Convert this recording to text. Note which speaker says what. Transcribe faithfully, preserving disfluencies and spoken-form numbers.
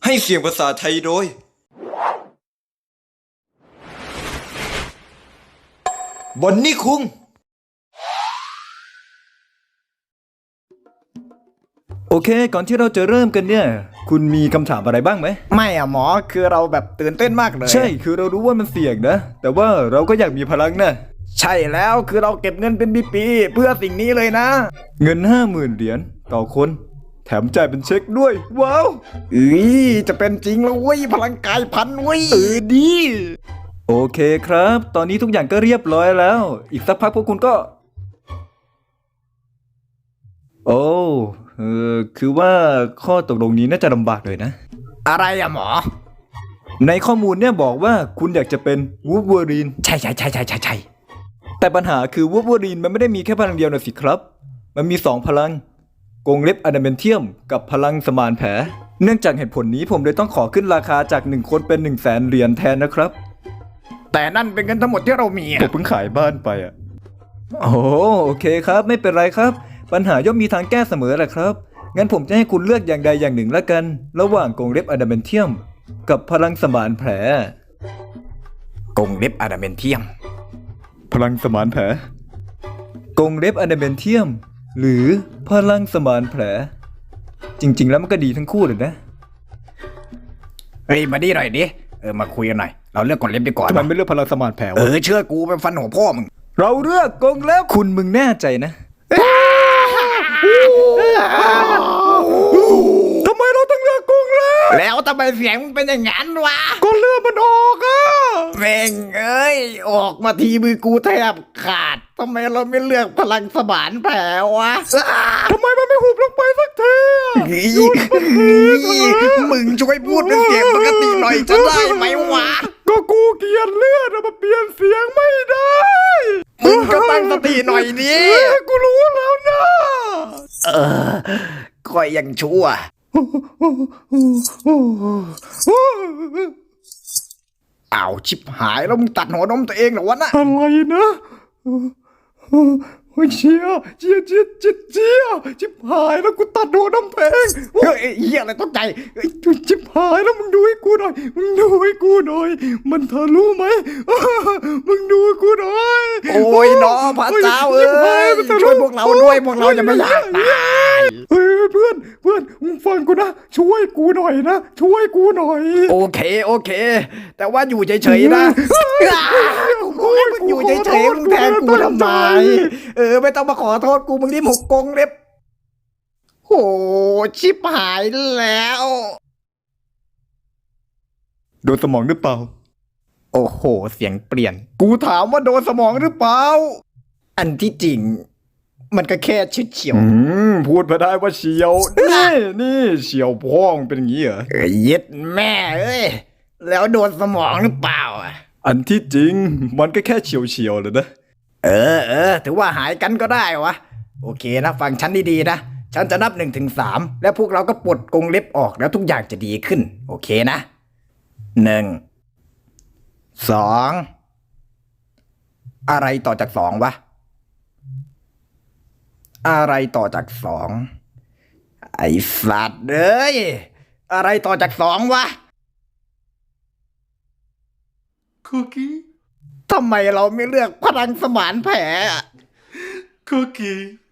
Speaker 1: ให้เสียงภาษาไทยโดยบอนนี่คุงโอเคก่อนที่เราจะเริ่มกันเนี่ยคุณมีคำถามอะไรบ้างไหม
Speaker 2: ไม่อะหมอคือเราแบบตื่นเต้นมากเลย
Speaker 1: ใช่คือเรารู้ว่ามันเสี่ยงนะแต่ว่าเราก็อยากมีพลังนะ
Speaker 2: ใช่แล้วคือเราเก็บเงินเป็นปีๆเพื่อสิ่งนี้เลยนะ
Speaker 1: เงินห้าหมื่นเหรียญต่อคนแถมจ่ายเป็นเช็คด้วยว้าว
Speaker 2: เอ้ยจะเป็นจริงแล้วเว้ยพลังกายพันเว้ย
Speaker 1: เออดีโอเคครับตอนนี้ทุกอย่างก็เรียบร้อยแล้วอีกสักพักพวกคุณก็โอ้เออคือว่าข้อตกลงนี้น่าจะลำบากเลยนะ
Speaker 2: อะไรอะหมอ
Speaker 1: ในข้อมูลเนี่ยบอกว่าคุณอยากจะเป็นวูล์ฟเวอรีน
Speaker 2: ใช่ใช่ใช่ใช่ใช่ใช่
Speaker 1: แต่ปัญหาคือวูล์ฟเวอรีนมันไม่ได้มีแค่พลังเดียวนะสิครับมันมีสองพลังกรงเล็บอะดามนเทียมกับพลังสมานแผลเนื่องจากเหตุผลนี้ผมเลยต้องขอขึ้นราคาจากหนึ่งคนเป็นหนึ่งแสนเหรียญแทนนะครับ
Speaker 2: แต่นั่นเป็นเงินทั้งหมดที่เรามี
Speaker 1: ผมเพิ่งขายบ้านไปอ่ะโอ้โอเคครับไม่เป็นไรครับปัญหาย่อมมีทางแก้เสมอแหละครับงั้นผมจะให้คุณเลือกอย่างใดอย่างหนึ่งละกันระหว่างกรงเล็บอะดามนเทียมกับพลังสมานแผล
Speaker 2: กรงเล็บอะดามนเทียม
Speaker 1: พลังสมานแผลกรงเล็บอะดามนเทียมหรือพลังสมานแผลจริงๆแล้วมันก็ดีทั้งคู่เลยนะ
Speaker 2: เฮ้ยมาดิหน่อยดิเออมาคุยกันหน่อยเราเลือกกรงเล็บดีกว่า
Speaker 1: ทำไมไม่เลือกพลังสมานแผลวะ
Speaker 2: เออเชื่อกูเป็นฟันหัวพ่อมึง
Speaker 1: เราเลือกกรงเล็บคุณมึงแน่ใจนะทำไมเราต้องเลือกกรงเล็บ
Speaker 2: แล้วทำไมเสียงมึงเป็นอย่างนั้นวะ
Speaker 1: ก็เลือดมันออกอะ
Speaker 2: แม่งเอ้ยออกมาทีมือกูแทบขาดทำไมเราไม่เลือกพลังสมานแผลวะ
Speaker 1: ทำไมมันไม่หุบลงไปสักที
Speaker 2: มึงช่วยพูดเป็นเสียงปกติหน่อยจะได้ไหมวะ
Speaker 1: ก็กูเกลียดเลือดมาเปลี่ยนเสียงไม่ได้
Speaker 2: มึงก็ตั้งสติหน่อยดิ
Speaker 1: กูรู้แล้วนะ
Speaker 2: เออคอยยังชั่วอ้าวชิบหายแล้วมึงตัดหัวนมตัวเองเหรอวะน่ะ
Speaker 1: อะไรนะเชียเชียเชียเชียเชียชิบหายแล้วกูตัดหัวนมตัวเอง
Speaker 2: เฮ้ยเฮียอะไรต้องใจ
Speaker 1: ชิบหายแล้วมึงดูให้กูหน่อยมึงดูให้กูหน่อยมันทะลุไหมมึงดูให้กูหน่อย
Speaker 2: โอ้ยน้อพระเจ้าเอ้ยช่วยพวกเราด้วยพวกเราจะไม่อยากตาย
Speaker 1: เฮ้ยเพื่อนเพื่อนมึงฟังกูนะช่วยกูหน่อยนะช่วยกูหน่อย
Speaker 2: โอเคโอเคแต่ว่าอยู่เฉยๆนะมึงอยู่เฉยๆมึงแทนกูทำไมเออไม่ต้องมาขอโทษกูมึงรีบหกกงเล็บโหชิบหายแล้ว
Speaker 1: โดนสมองหรือเปล่า
Speaker 2: โอ้โหเสียงเปลี่ยนกูถามว่าโดนสมองหรือเปล่าอันที่จริงมันก็แค่ชิดเฉียว
Speaker 1: พูดมาได้ว่าเฉียวนี่นี่เฉียวพ่องเป็นอย่างนี้เหรอ
Speaker 2: เอ้ยยึดแม่เอ้ยแล้วโดนสมองหรือเปล่าอ่ะ
Speaker 1: อันที่จริงมันก็แค่เฉียวเฉียวเลยนะ
Speaker 2: เออเออถือว่าหายกันก็ได้วะโอเคนะฟังฉันดีๆนะฉันจะนับหนึ่งถึงสามแล้วพวกเราก็ปลดกรงเล็บออกแล้วทุกอย่างจะดีขึ้นโอเคนะหนึ่งสองอะไรต่อจากสองวะอะไรต่อจากสองไอ้สัตว์เอ้ยอะไรต่อจากสองวะ
Speaker 1: คุกกี้
Speaker 2: ทำไมเราไม่เลือกพลังสมานแผล
Speaker 1: คุกกี้